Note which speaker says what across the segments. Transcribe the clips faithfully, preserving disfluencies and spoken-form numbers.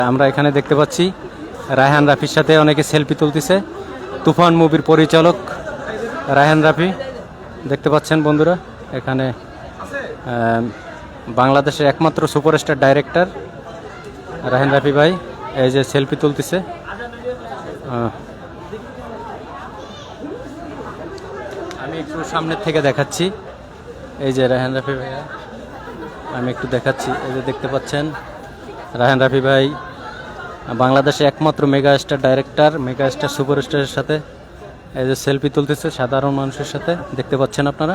Speaker 1: আমরা এখানে দেখতে পাচ্ছি রায়হান রাফির সাথে অনেকে সেলফি তুলতেছে। তুফান মুভির পরিচালক রায়হান রাফি দেখতে পাচ্ছেন বন্ধুরা। এখানে বাংলাদেশের একমাত্র সুপারস্টার ডাইরেক্টর রায়হান রাফি ভাই এই যে সেলফি তুলতেছে। আমি একটু সামনের থেকে দেখাচ্ছি। এই যে রায়হান রাফি ভাইয়া, আমি একটু দেখাচ্ছি। এই যে দেখতে পাচ্ছেন রায়হান রাফি ভাই বাংলাদেশের একমাত্র mega star director, mega star সুপারস্টারের সাথে এই যে সেলফি তুলতেছে সাধারণ মানুষের সাথে, দেখতে পাচ্ছেন আপনারা।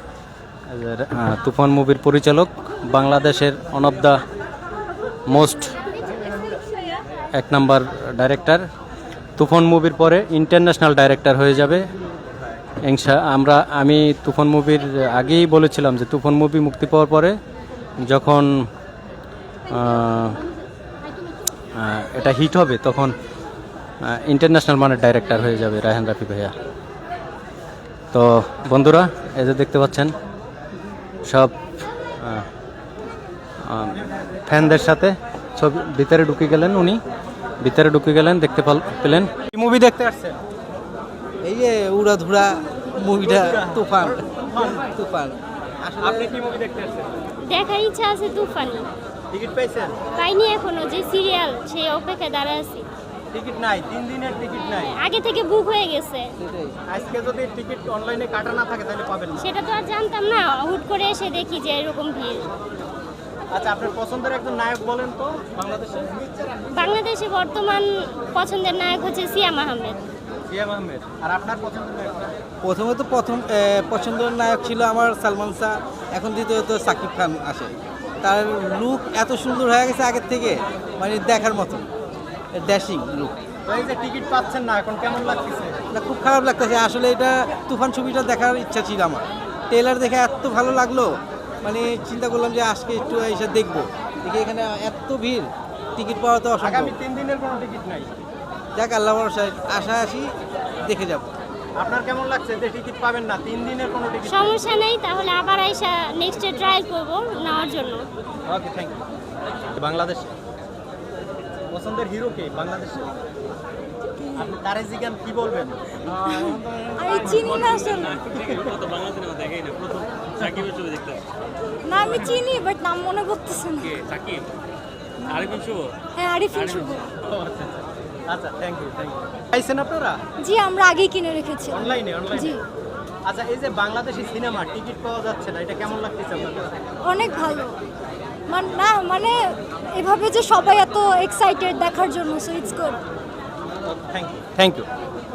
Speaker 1: তুফান মুভির পরিচালক, বাংলাদেশের ওয়ান অফ দ্য মোস্ট এক নাম্বার ডাইরেক্টর। তুফান মুভির পরে ইন্টারন্যাশনাল ডাইরেক্টর হয়ে যাবে ইনশা আমরা আমি তুফান মুভির আগেই বলেছিলাম যে তুফান মুভি মুক্তি পাওয়ার পরে যখন এটা হিট হবে তখন ইন্টারন্যাশনাল মানের ডাইরেক্টর হয়ে যাবে রায়হান রাফি ভাইয়া। তো বন্ধুরা এই যে দেখতে পাচ্ছেন সব ফ্যানদের সাথে ছবি ভিতরে ঢুকে গেলেন, উনি ভিতরে ঢুকে গেলেন, দেখতে পেলেন। কি মুভি দেখতে আসছেন?
Speaker 2: এই যে উড়াধুরা মুভিটা তুফান। তুফান
Speaker 1: আপনি কি মুভি দেখতে আসছেন?
Speaker 3: দেখার ইচ্ছা আছে তুফান।
Speaker 1: টিকিট পাইছেন?
Speaker 3: পাইনি এখনো, যে সিরিয়াল সেই অপেক্ষায় দাঁড়ায় আছি।
Speaker 1: টিকিট নাই, তিন দিনের টিকিট নাই,
Speaker 3: আগে থেকে বুক হয়ে গেছে।
Speaker 1: আজকে যদি টিকিট অনলাইনে কাটা না থাকে তাহলে পাবেন না।
Speaker 3: সেটা তো আর জানতাম না, হুট করে এসে দেখি যে এরকম ভিড়।
Speaker 1: আচ্ছা, আপনার পছন্দের একজন নায়ক বলেন তো বাংলাদেশে?
Speaker 3: বাংলাদেশে বর্তমান পছন্দের নায়ক হচ্ছে সিয়াম আহমেদ।
Speaker 1: সিয়াম আহমেদ। আর আপনার পছন্দের নায়ক?
Speaker 2: প্রথমে তো প্রথম পছন্দের নায়ক ছিল আমার সালমান শাহ, এখন দ্বিতীয়ত সাকিব খান আসে। তার লুক এত সুন্দর হয়ে গেছে আগের থেকে, মানে দেখার মতো ড্যাশিং লুক।
Speaker 1: তো এই যে টিকিট পাচ্ছেন না, এখন কেমন লাগতেছে?
Speaker 2: না, খুব খারাপ লাগতেছে আসলে। এটা তুফান ছবিটা দেখার ইচ্ছা ছিল আমার, ট্রেলার দেখে এত ভালো লাগলো, মানে চিন্তা করলাম যে আজকে একটু এসে দেখবো। দেখি এখানে এত ভিড়, টিকিট পাওয়া তো অসম্ভব।
Speaker 1: আগামী তিন দিনের কোনো টিকিট নাই।
Speaker 2: যাক, আল্লাহ ভরসায় আশা আসি, দেখে যাব।
Speaker 1: আপনার কেমন লাগছে যে টিকিট পাবেন না, তিন দিনের কোনো টিকিট?
Speaker 3: সমস্যা নেই, তাহলে আবার আইসা নেক্সটে ট্রাই করব নেওয়ার জন্য।
Speaker 1: Okay, thank you. বাংলাদেশে পছন্দের হিরো কে বাংলাদেশে? আপনি তারে জিজ্ঞান কি বলবেন?
Speaker 4: আমি চিনি না আসলে। না আমি চিনি, বাট নাম মনে করতেছে না। হ্যাঁ, আরিফিন শুভ।
Speaker 1: আচ্ছা, থ্যাংক ইউ, থ্যাংক ইউ। পাইছেন আপনারা?
Speaker 4: জি, আমরা আগেই কিনে রেখেছি
Speaker 1: অনলাইনে? অনলাইনে,
Speaker 4: জি।
Speaker 1: আচ্ছা, এই যে বাংলাদেশি সিনেমা টিকিট পাওয়া যাচ্ছে না, এটা কেমন লাগতেছে আপনাদের?
Speaker 4: অনেক ভালো। মান না মানে এভাবে যে সবাই এত এক্সাইটেড দেখার জন্য, so it's good.
Speaker 1: Thank you, thank you.